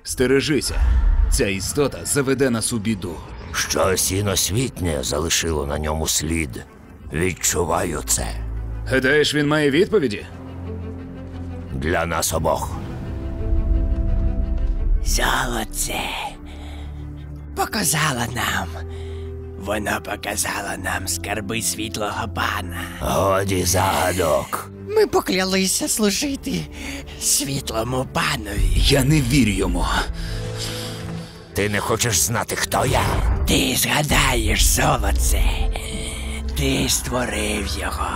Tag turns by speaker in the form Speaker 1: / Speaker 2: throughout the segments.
Speaker 1: Стережися. Ця істота заведе нас у біду.
Speaker 2: Щось іносвітнє залишило на ньому слід. Відчуваю це.
Speaker 1: Гадаєш, він має відповіді?
Speaker 2: Для нас обох.
Speaker 3: Золоце показала нам. Воно показало нам скарби світлого пана.
Speaker 2: Годі загадок.
Speaker 3: Ми поклялися служити світлому панові.
Speaker 1: Я не вірю йому.
Speaker 2: Ти не хочеш знати, хто я?
Speaker 3: Ти згадаєш, золоце. Ти створив його.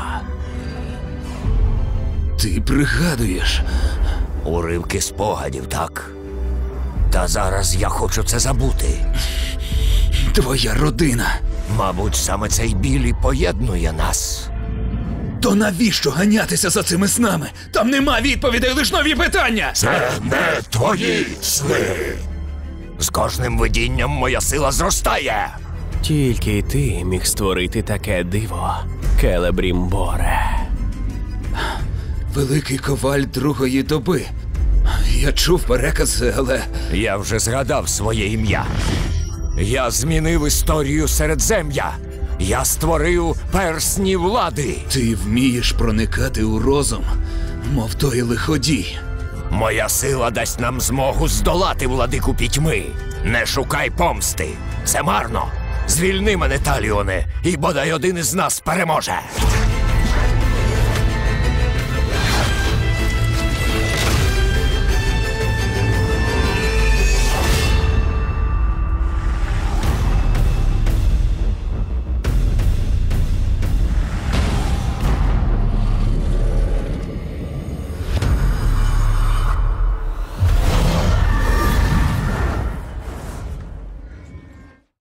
Speaker 1: Ти пригадуєш.
Speaker 2: Уривки спогадів, так? Та зараз я хочу це забути.
Speaker 1: Твоя родина.
Speaker 2: Мабуть, саме цей біль і поєднує нас.
Speaker 1: То навіщо ганятися за цими снами? Там нема відповідей, лиш нові питання!
Speaker 2: Це не твої сни. З кожним видінням моя сила зростає.
Speaker 4: Тільки ти міг створити таке диво, Келебрімборе.
Speaker 1: Великий коваль другої доби. Я чув перекази, але...
Speaker 2: Я вже згадав своє ім'я. Я змінив історію Середзем'я. Я створив персні влади.
Speaker 1: Ти вмієш проникати у розум, мов той лиходій.
Speaker 2: Моя сила дасть нам змогу здолати владику пітьми. Не шукай помсти. Це марно. Звільни мене, Таліоне, і бодай один із нас переможе.